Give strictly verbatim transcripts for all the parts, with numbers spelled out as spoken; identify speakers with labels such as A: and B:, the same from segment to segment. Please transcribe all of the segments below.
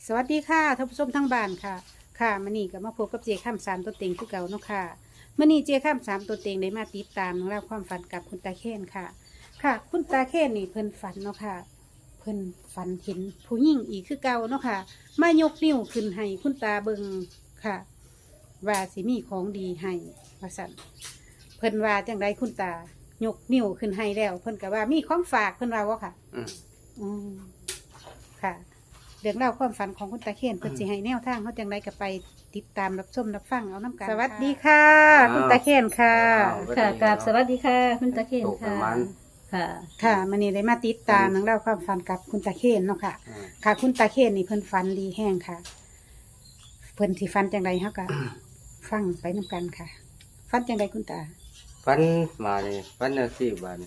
A: สวัสดีค่ะท่านผู้ชมทั้งบ้านค่ะค่ะมื่อนี้ก็มาพบกับเจข้ามสามตัวเต็งคือเก่าเนาะค่ะมื่อนี้เจข้ามสามตัวเต็งได้มาติดตามเรื่องราวความฝันกับคุณตาเคนค่ะ ค่ะ คุณตาเคนนี่เพิ่นฝันเนาะค่ะเพิ่นฝันเห็นผู้หญิงอีกคือเก่าเนาะค่ะมายกนิ้วขึ้นให้คุณตาเบิงค่ะ ว่าสิมีของดีให้ว่าสั่นเพิ่นว่าจังไดคุณตายกนิ้วขึ้นให้แล้ว เพิ่นก็ว่ามีของฝากเพิ่นว่าว่าค่ะ
B: อืม
A: อืมค่ะเรื่องเล่าวความฝันของคุณตาเคนเพิ่นสิให้แนวทางเขาจังไดก็ไปติดตามรับชมรับฟังเอาน้ำกันสวัสดีค่ะ คุณตาเคนค่ะ
C: ค่ะกราบสวัสดีค่ะ คุณตะเคน
B: ตกป
C: ค่ะ
B: ระมาณ
C: ค่ะ
A: ค่ะมื้อนี้ได้มาติดตามเรื่องเล่าวความฝันกับคุณตาเคนเนาะค่ะ
B: อืม
A: ค่ะ คุณตาเคนนี่เพิ่นฝันดีแห้งค่ะ เพิ่นสิฝันจังไดเฮาก็ฟังไปนํกันค่ะฝันจังไดคุณตา
B: ฟันมาเนี่ยฟันเอาสี่บาทนี่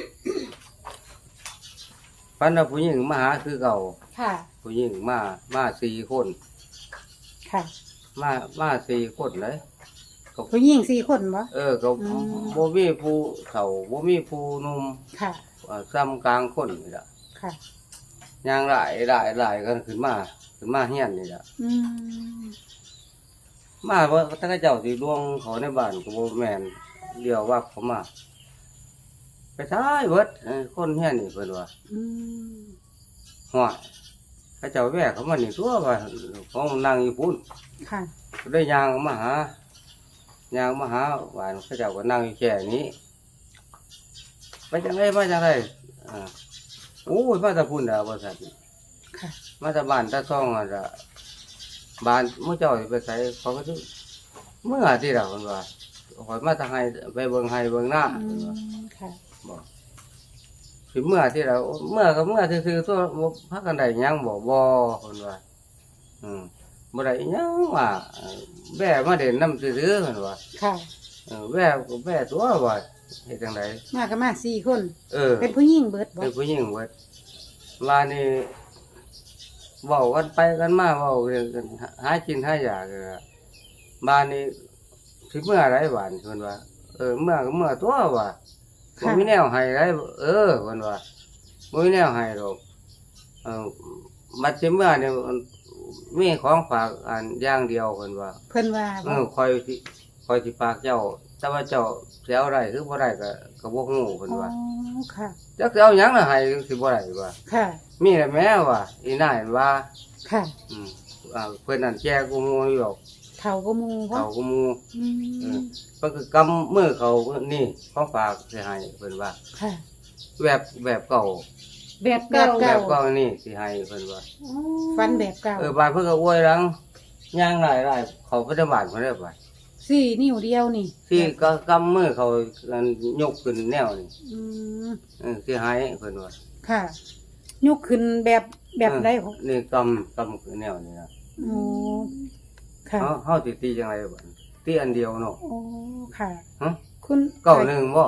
B: ฟันเอาผู้หญิงมาหาคือเก่า
A: ค่ะ
B: ผู้หญิงมามาสี่คน
A: ค่ะ
B: มามาสี่คนเลยก็
A: ผู้หญิงสี่คนบ่
B: เออก็
A: อืม
B: บ่มีผู้เฒ่าบ่มีผู้หนุ่ม
A: ค่ะ
B: เอ่อซ้ำกลางคนนี่ล่ะ
A: ค่ะ
B: ย่างหลายหลายหลายกันขึ้นมาขึ้นมาเฮียนนี่ล่ะ
A: อืม
B: มาว่าถ้าเจ้าสิล่วงเขาในบ้านก็บ่แม่นเดียวว่าเขามาไปท้ายเบิดเออคนเฮียนนี่เพิ่นว่า
A: อืม
B: หัวพระเจ้าแวกเขามานี่ตัวว่าเขานั่งอยู่พุ่น
A: ค่ะ
B: ได้ยางมาหายางมาหาหวานพระเจ้าก็นั่งอยู่แค่นี้ไปจังไรมาจังไรอ่าโอ้ยมาแตะพุ่นดาวบริษัท
A: ค่ะ
B: มาแตะบ้านแตะซ่องอ่ะจ้ะบ้านมื่อเจ้าสิไปใส่เขาก็ถึงเมื่อที่เราคนว่าขอยมาทางให้ไปเบิ่งให้เบิ่งหน้า
A: อื
B: เพิ่นว่าม
A: ค่ะ
B: บอกสิเมื่อที่เราเมื่อก็เมื่อซื่อๆตัวบ่พักกันได้หยังบ่บ่คนว่า อืมบ่ได้อิหยังว่าเอ่อแว่มาเด่นน้ำซื่อๆเพิ่นว่า
A: ค่ะ
B: เออแว่ก็แว่ตัวว่าเฮ็ดจังได
A: มากันมาสี่คน
B: เออ
A: เป็นผู้หญิงเบิดบ่
B: เป็นผู้หญิงเบิดว่านี่เว้ากันไปกันมาเว้าเรื่องกันหากินหายากก็บ้านนี้สิเมื่อไรบ้านเพิ่นว่า เออเมื่อก็เมื่อตัวว่าบ่มีแนวให้ไรเออเพิ่นว่าบ่มีแนวให้ดอกเออบัดสิเมื่อนี่มันมีของฝากอันอย่างเดียวเพิ่นว่า
A: เพิ่นว่า
B: เอ
A: บ่
B: อคอยสิคอยสิปากเจ้า แต่ว่าเจ้าสิเอาได้หรือบ่ได้ก็ก็บ่ฮู้เพิ่น
A: อ๋อ
B: ว่า
A: ค่ะ
B: จักสิเอาหยังล่ะให้สิบ่ได้ว่า
A: ค่ะ
B: มีแต่แม่ว่าอีนายว่า
A: ค่ะ
B: อืมอ่าเพิ่นนั่นแก่กูหมู่อยู่ดอก
A: เฒ่าก็มูบ่
B: เขากูหมู่
A: อื
B: เอ
A: ม
B: อ เพิ่นก็กำมือเขานี่ของฝากสิให้เพิ่นว่า
A: ค่ะ
B: แบบแบบเก่า
C: แบบ
A: แบ
C: เก่า
A: บ
B: แบ
A: เก่า
B: บเก่านี่สิให้เพิ่นว่า
A: ฟันแบบเก่า
B: เออบาดเพิ่นก็อวยหลังย่างหลายๆเขาปฏิบัติเพิ่นได้บ่
A: สี่นิ้วเดียวนี่
B: ที่ก็กำมือเขาอันยกขึ้นแนวนี่
A: อืม
B: เออสิให้เพิ่นว่า
A: ค่ะยกขึ้นแบบแบบใดของ
B: เออนี่กำกำขึ้นแนวนี่นะ
A: โอ้ค่ะ
B: เฮาเฮาสิตีจังไดบ่ตีอันเดียวเนาะ
A: โอ้ค่ะ
B: ฮะ
A: คุณ
B: เก้าหนึ่งบ่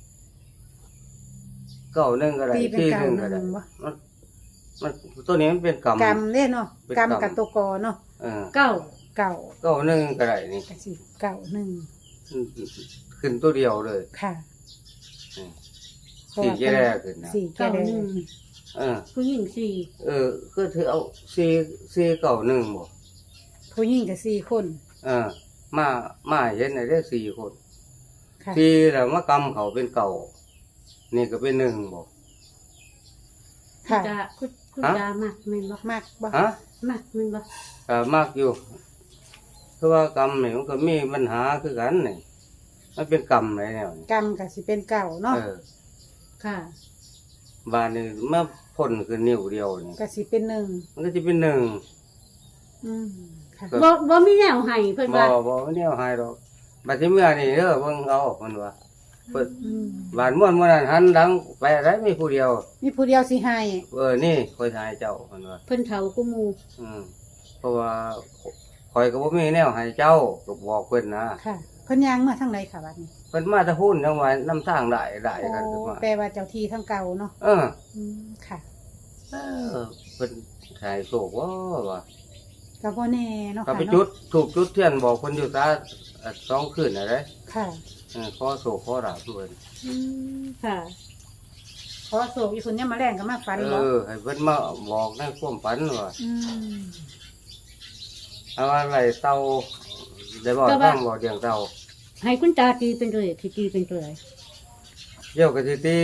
B: เก้าหนึ่งก็ได้
A: ตีเป็น
B: ที่
A: เก่า
B: หนึ่ง
A: ห
B: ก็ได้
A: นึ่งบ่
B: มันมันตัวนี้มันเป็นกำ
A: กำเด้เนาะ
B: เป็น
A: กำ
B: กำ
A: กับตัวกอเนาะ
B: เออ
C: เก่า
A: เก่า
B: เก้าหนึ่งก็ได้นี่
A: ก็สิเก่าหนึ่ง
B: ขึ้นตัวเดียวเลย
A: ค่ะ
B: อืม
A: เพราะ
B: สี่
A: ว่า
B: แก่ขึ้นนะ
A: สี่แก่
C: เก่า
A: แด
C: หนึ่
A: ง
C: ง
B: เออ
C: ผู้หญิงสี่
B: เออคือถือเอาสี่สี่เก้าหนึ่งบ่
A: ผู้หญิงก็สี่คน
B: เออ มามาเห็นได้สี่คน
A: ค่ะ
B: สี่แล้วมากำเขาเป็นเก่านี่ก็เป็นหนึ่งบ่
C: คุณ
A: ค่ะ
C: ตาคุณคุณ
B: ฮะ
C: ตามักแม่นบ่
A: มากบ่
B: ฮะ
C: มักแม่นบ่
B: ก็มากอยู่คือว่ากรรมนี่มันก็มีปัญหาคือกันนี่มันเป็นกรรมอะไรแนวนี่
A: กำก็สิเป็นเก่าเนาะ
B: เออ
C: ค่ะ
B: บ้านนี่เมื่อพ่นคือนิ้วเดียวนี่
A: ก็สิเป็นหนึ่ง
B: มันก็จะเป็นหนึ่ง
A: อืมค่ะ
B: ก็
C: บ่บ่มีแนวให้เพิ่น
B: บ่
C: ว่า
B: บ่แนวหายดอกบัดที่เมื่อนี่เด้อเบิ่งเอาเพิ่นว่าเพิ่น
A: อืม
B: บ้านม่วนมื้อนั้นหันหลังไปได้มีผู้เดียว
A: มีผู้เดียวสิให้
B: เออนี่คอยทายเจ้าเพิ่นว่า
C: เพิ่นเฒ่ากูหมู่
B: อืมเพราะว่าคอยก็บ่มีแนวให้เจ้าก็บอกเพิ่นนะ
A: ค่ะเพิ่นย่างมาทางไหนค่ะบัดนี้
B: เพิ่นมาแตะพุ่นจังว่าน้ำทางได้ได้กันขึ้น
A: โอ้
B: มา
A: แปลว่าเจ้าที่ทั้งเก่าเนาะ
B: เออ
A: อืมค่ะ
B: เออเพิ่นขายโศกว่าว่า
A: ก็บ่แน่เนาะ
B: ก็
A: ค่ะ
B: ไป
A: เนาะ
B: จุดถูกจุดเทียนบอกคนอยู่ตาเอ่อสองคืนอะไร
A: ค่ะ
B: เออขอโศกขอราบด้วย
C: อืมค่ะ
A: ขอโศกอีคุณเนี่ยมาแรงก็มาฝัน
B: เอ
A: บ่
B: อให้เพิ่นมาบอกในความฝันว่า
A: อืม
B: เอาอะไรเต่าได้บอกฟังบอกเดียงเต่า
C: ให้คุณตาตีเป็นตัวเลขที่ตีเป็นตัวอะไร
B: เดี๋ยวก็สิตี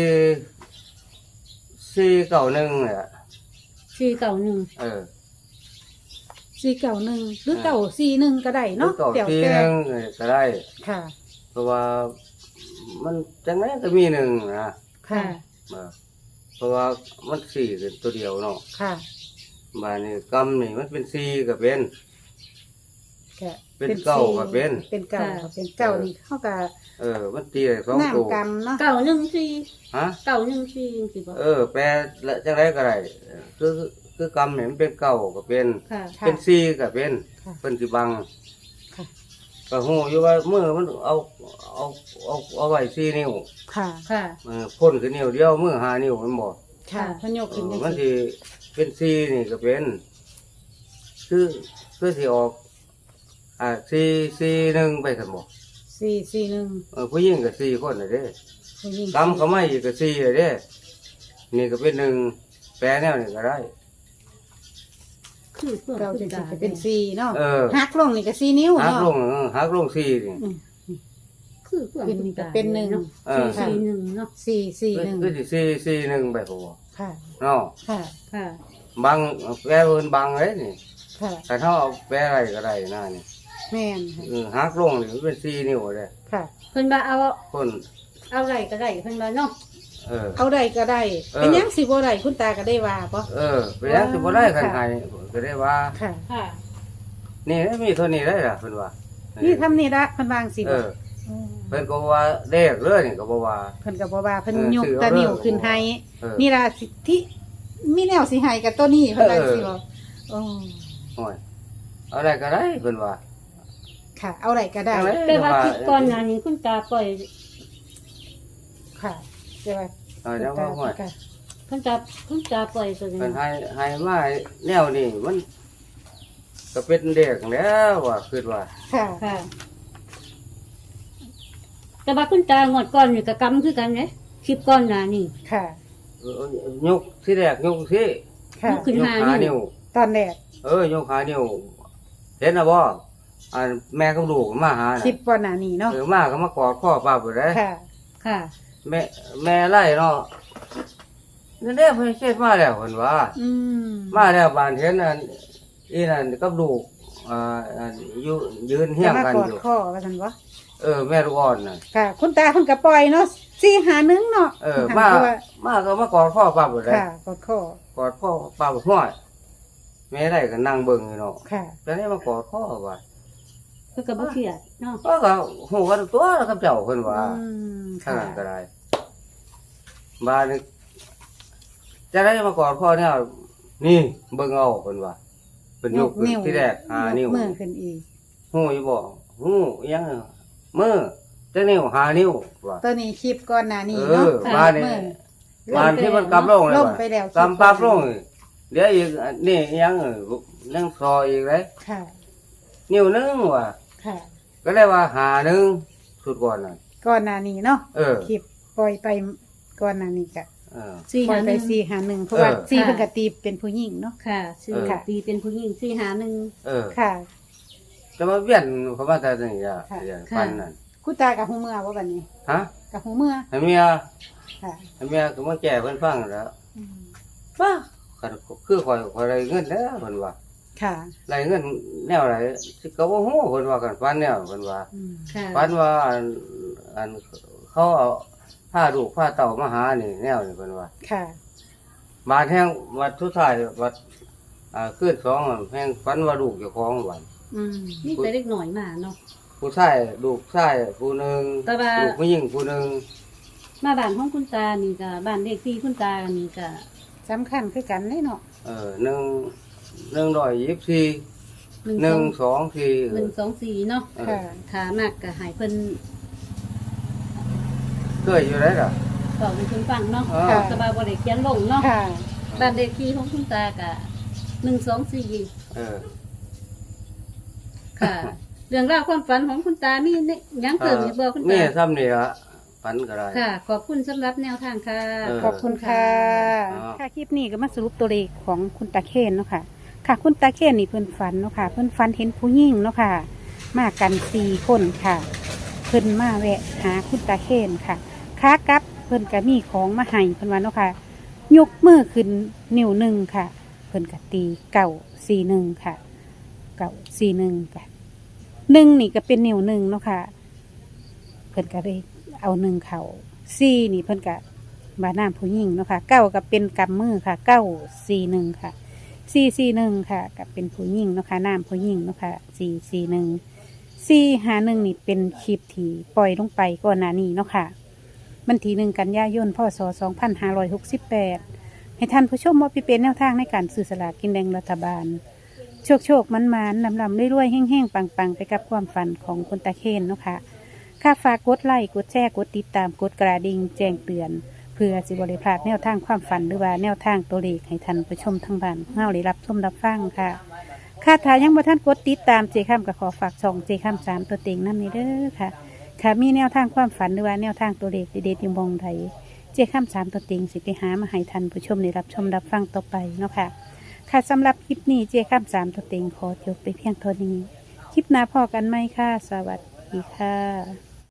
B: สี่เก้าหนึ่งเนี่ย
C: สี่เก้าหนึ่ง
B: เออ
A: สี่เก่าหนึ่งหรือเก่าสี่หนึ่งก็ได้
B: หรือ
A: เนาะ
B: เก้า
A: เดี๋ยว
B: สี่
A: แต่
B: หนึ่งก็ได้
A: ค่ะ
B: เพราะว่ามันจังไงก็มีหนึ่งนะ
A: ค่ะ
B: เออเพราะว่ามันสี่เป็นตัวเดียวเนาะ
A: ค่ะ
B: บานนี้กำนี่มันเป็นสี่ก็เป็น
A: ก็
B: เป็นเก้าก็เป็น
A: เป็นเก่าก็เป็นเก่านี่เขาก็
B: เออ มันตีได้สองตัว
A: น้ำกำเนาะ
C: เก้าหนึ่งสี่
B: ฮะ
C: เก้าหนึ่งสี่สิบอก
B: เออ แปลละจังไรก็ได้คือคือกำเนี่ยมันเป็นเก้าก็เป็น
C: ค่ะ
A: ค่ะ
B: เป็นสี่ก็เป็น
A: ค่ะ
B: เป็นสิบัง
A: ค่ะ
B: ก็หูอยู่ว่ามือมันเอาเอาเอาเอาไว้สี่นิ้ว
A: ค่ะ
C: ค่ะ
B: เออพ่นคือนิ้วเดียวมือห้านิ้วมันบอก
A: ค่ะพนยก
B: เอ
A: ขึ้น
B: อ
A: จัง
B: มัน
A: ซี่
B: สิเป็นสี่นี่ก็เป็น คือคือสิออก อ่าสี่สี่หนึ่งไปกันบอก
A: สี่สี่หนึ่ง
B: เออผู้หญิงก็สี่คนเลยเด้
A: ผู้หญิง
B: กำเขาไม่อีกก็สี่เลยเด้นี่ก็เป็นหนึ่งแปลแนวนี่ก็ได้
C: คือเพื่อน
A: เก่า
C: คุ
A: จ
C: ณ
A: ริ
C: ตาง
A: ๆก็เป็นสี่เนาะ
B: เออ
A: หักลงนี่ก็สี่นิ้ว
B: หัก
A: เนาะ
B: ลงเออหักลงสี่นี่
A: อืม
C: คือเพื่อน
A: เป็น
C: คุณตา
A: เป็นหนึ่ง
C: เนาะ
B: เออ
C: สี่สี่หนึ่งเนาะ
A: สี่สี่หนึ่ง
B: คือสิสี่สี่หนึ่งไปพอ
A: ค่ะ
B: เนาะ
A: ค่ะ
C: ค่ะ
B: บังแปลเพิ่นบังเลยนี่
A: ค่ะ
B: แต่ถ้าเอาแปลอะไรก็ได้นะนี่
A: แม่นค่ะ
B: เออหักลงนี่มันเป็นสี่นิ้วเลย
A: ค่ะ
C: เพิ่นว่าเอา
B: คน
C: เอาไรก็ได้เพิ่นว่าเนาะ
B: เออ
A: เอาได้ก็ได้
B: เออ
A: เป็นหยังสิบ่ได้คุณตาก็ได้ว่าปะ
B: เออไปยังสิบ่ได้คันไห้ก็ได้ว่า
A: ค่ะ
C: ค่ะ
B: นี่มีเท่านี้ได้ล่ะเพิ่นว่า
A: นี่ทำนี่ละเพิ่นวางสิ
B: เอ
A: บ่
B: อเพิ่นก็ว่าเด็กเลยนี่ก็บ่ว่า
A: เพิ่นก็บ่ว่าเพิ่น
B: เออย
A: ก
B: ซื้อเอา
A: ตะนิ้ว
B: เด้อ
A: ขึ้นให้
B: เออ
A: นี่ล่ะสิที่มีแนวสิให้กับตัวนี้เพิ่นว่า
B: เออ
A: สิบ่โอ้
B: โอ้ยเอาได้ก็ได้เพิ่นว่า
A: ค่ะ เอาได้ก็ได้
B: เอาเลย
C: แต่ว่าคลิปก่อนหน้านี้คุณตาปล่อย
A: ค่ะแต่ว่า
B: เอาจังว่าโอ้ย
A: ค่ะ
C: คุณตาคุณตาปล่อยตัวนี้
B: เพิ่นให้ให้มาแนวนี้มันก็เป็นเด็กแล้วว่าคิดว่า
A: ค่ะ
C: ค่ะ แต่ว่าคุณตางวดก่อนนี่ก็กำคือกันเด้คลิปก่อนหน้านี้
A: ค่ะ
B: เออยกที่แรกยกสิ
A: ค่ะ
C: ขึ้น
B: ยก
C: หา
B: ขา
C: นิ้
B: นิ้
C: ว
B: ว
A: ตอนแรก
B: เออยกขานิ้วเห็นนะบ่อันแม่กับลูกมาหา
A: คลิ
B: น่ะ
A: ปก่อนหน้านี้เนาะ
B: เออมาก็มากอดพ่อป้าบ่ได้
A: ค่ะ
C: ค่ะ
B: แม่แม่ไล่เนาะนั่นแหละเพิ่นเฮ็ดมาแล้วเพิ่นว่า
A: อืม
B: มาแล้วบ้านเห็นอันอีนั่นกับลูกอ่าอันอยู่ยืนเฮียงกัน
A: จะมากอด
B: อยู่
A: ข้อว่าซั่นบ่
B: เออแม่ลูกอ่อนน่ะ
A: ค่ะ คุณตาเพิ่นก็ปล่อยเนาะสี่หาหนึ่งเนาะ
B: เออ
A: หัน
B: มา
A: ไปว่า
B: มาก็มากอดพ่อป้าบ่ได้
A: ค่ะกอดข้อก
B: อดพ่อป้าบ่ห้อยแม่ได้ก็นั่งเบิ่งอยู่เนาะ
A: ค่ะ
B: แต่นี่มากอดพ่อว่า
C: เพิ่นก็บ่เครียดเนาะ
B: พ่อก็ฮู้กันตัวแล้วกับเจ้าเพิ่นว่า
A: อืม
B: ทาง
A: ค่ะ
B: นั้นก็ได้บ้านนี้จะได้มากอดพ่อเนี่ยนี่เบิ่งเอาเพิ่นว่าเพิ่นยกขึ้นที่แรกหานิ้ว
A: มือขึ้นอีก
B: หูอยู่บ่หูอิหยังมือจังนิ้วหานิ้วว่า
A: ตัวนี้คลิปก่อนหน้านี้
B: เอ
A: เนาะ
B: อบ้านนี้
A: มือ
B: บ้านที่มันกำลงเลย
A: ล่ม
B: ว่ะ
A: ไปแล้ว
B: กำปั๊บลงนี่เดี๋ยวอีกนี่อิหยังเออยังซออีกเลย
A: ค่ะ
B: นิ้วหนึงว่ะ
A: ค่ะ
B: ก็เลยว่าหาหนึงสุดก่อนน่ะ
A: ก่อนหน้านี้เนาะ
B: เออ
A: คลิปปล่อยไปก่อนหน้านี้ก็
B: เออ
C: สี่
A: ปล่อ
C: หาย ห
A: ไป
C: นึ่ง
A: สี่หาหนึ่งเพราะว่า
B: เออ
A: สี่
C: ค่ะ
A: เพิ่นก็ตีเป็นผู้หญิงเนาะ
C: ค่ะสี่
B: เออ
C: ปีเป็นผู้หญิงสี่หาหนึ่ง
B: เออ
A: ค่ะ
B: จะมาเวียนเขามาแต่นี่อ่ะ
A: ค่ะ
B: อย่าง
C: ค่ะ
B: ปันนั่น
A: คุณตากับหูเมื่อว่าบัดนี้
B: ฮะ
A: กับหูเมื่อ
B: ให้เมีย
A: ค่ะ
B: ให้เมียก็มาแก่เพิ่นฟังแล้ว
A: อืม
B: ป้าคันคือข่อยข่อยได้เงินแล้วเพิ่นว่า
A: ค่ะ
B: ได้เงินแนวไหนสิก็บ่ฮู้เพิ่นว่ากันฟันแนวเพิ่นว่า
A: อืม
C: ค่ะ
B: ฟันว่าอันอันเขาเอาผ้าลูกผ้าเต่ามาหานี่แนวนี่เพิ่นว่า
A: ค่ะ
B: บาดแห่งวัดสุดท้ายวัดอ่าคืนสองอะแห่งฟันว่าลูกเจ้าของวัน
A: อืม
C: นี่แต่เล็กหน่อยมาเนาะ
B: ผู้ชายลูกชายผู้หนึง
C: แต่ว่า
B: ลูกผู้หญิงผู้หนึง
C: มาบ้านของคุณตานี่ก็บ้านเลขที่คุณตานี่ก็
A: สำคัญคือกันเลยเนาะ
B: เออหนึ่งหนึ่งร้อยยี่สิบสี่
C: หนึ่ง
B: หนึ่ง
C: สอง
B: สองสี่เอ
C: หนึ่
B: อง
C: สองสี่เนาะ
B: เออ
A: ค่ะ
C: ขามากก็ใหายเพิ่น
B: เคยอยู่ได้ล่ะ
C: บอกให้เพิ่นฟังเนาะ
B: อ่า
A: ค่ะ
C: สบายบ่ได้เขียนลงเนาะ
A: ค่ะ
C: บ้านเลขที่ของคุณตาก็หนึ่งสองสี่
B: เออ
C: ค่ะ เรื่องราวความฝันของคุณตามีเนี่ยยังเพิ่มอยู่บ่คุณ
B: นี่
C: ตา
B: ซ้ำนี่ละฝันก็ได้
C: ค่ะ ขอบคุณสำหรับแนวทางค่ะ
B: เออ
A: ขอบคุณค่ะ
B: ครับ
A: ค่ะคลิปนี้ก็มาสรุปตัวเลขของคุณตาเคนเนาะค่ะ ค่ะ คุณตาเคนนี่เพิ่นฝันเนาะค่ะ เพิ่นฝันเห็นผู้หญิงเนาะค่ะ มากันสี่คนค่ะ เพิ่นมาแวะหาคุณตาเคนค่ะขากลับเพิ่นก็มีของมาให้เพิ่นว่าเนาะค่ะ ยกมือขึ้นนิ้วหนึ่งค่ะ เพิ่นก็ตีเก่าสี่หนึ่งค่ะ เก่าสี่หนึ่งค่ะหนึ่งนี่ก็เป็นนิ้วหนึ่งเนาะค่ะ เพิ่นก็เลยเอาหนึ่งเขาสี่นี่เพิ่นก็บาน้ำผู้หญิงเนาะค่ะเก้าก็เป็นกำมือค่ะเก้าสี่หนึ่งค่ะสี่สี่หนึ่งค่ะก็เป็นผู้หญิงเนาะค่ะน้ำผู้หญิงเนาะค่ะสี่สี่หนึ่งสี่หาหนึ่งนี่เป็นคลิปที่ปล่อยลงไปก่อนหน้านี้เนาะค่ะวันที่หนึ่งกันยายนพศสองพันห้าร้อยหกสิบแปดให้ท่านผู้ชมว่าพี่เป็นแนวทางในการซื้อสลากกินแบ่งรัฐบาล โชคโชคมันมันลำลำรวยๆแห้งๆ ปังๆ ไปกับความฝันของคุณตาเคนเนาะค่ะค่าฝากกดไลค์กดแชร์กดติดตามกดกระดิ่งแจ้งเตือน เพื่อสิบริพลาดแนวทางความฝันหรือว่าแนวทางตัวเลขให้ท่านผู้ชมทั้งบ้านเฮาได้รับชมรับฟังค่ะค่าถ่ายยังบ่ท่านกดติดตามเจค้ำกับขอฝากช่องเจค้ำสามตัวเต็งนั่นนี่เด้อค่ะ ค่ะมีแนวทางความฝันหรือว่าแนวทางตัวเลขเด็ดๆอยู่มองใดเจค้ำสามตัวเต็งสิไปหามาให้ท่านผู้ชมได้รับชมรับฟังต่อไปเนาะค่ะ ค่ะสำหรับคลิปนี้เจข้ามสามตัวเต็งขอจบไปเพียงเท่านี้ คลิปหน้าพอกันไหมค่ะ สวัสดีค่ะ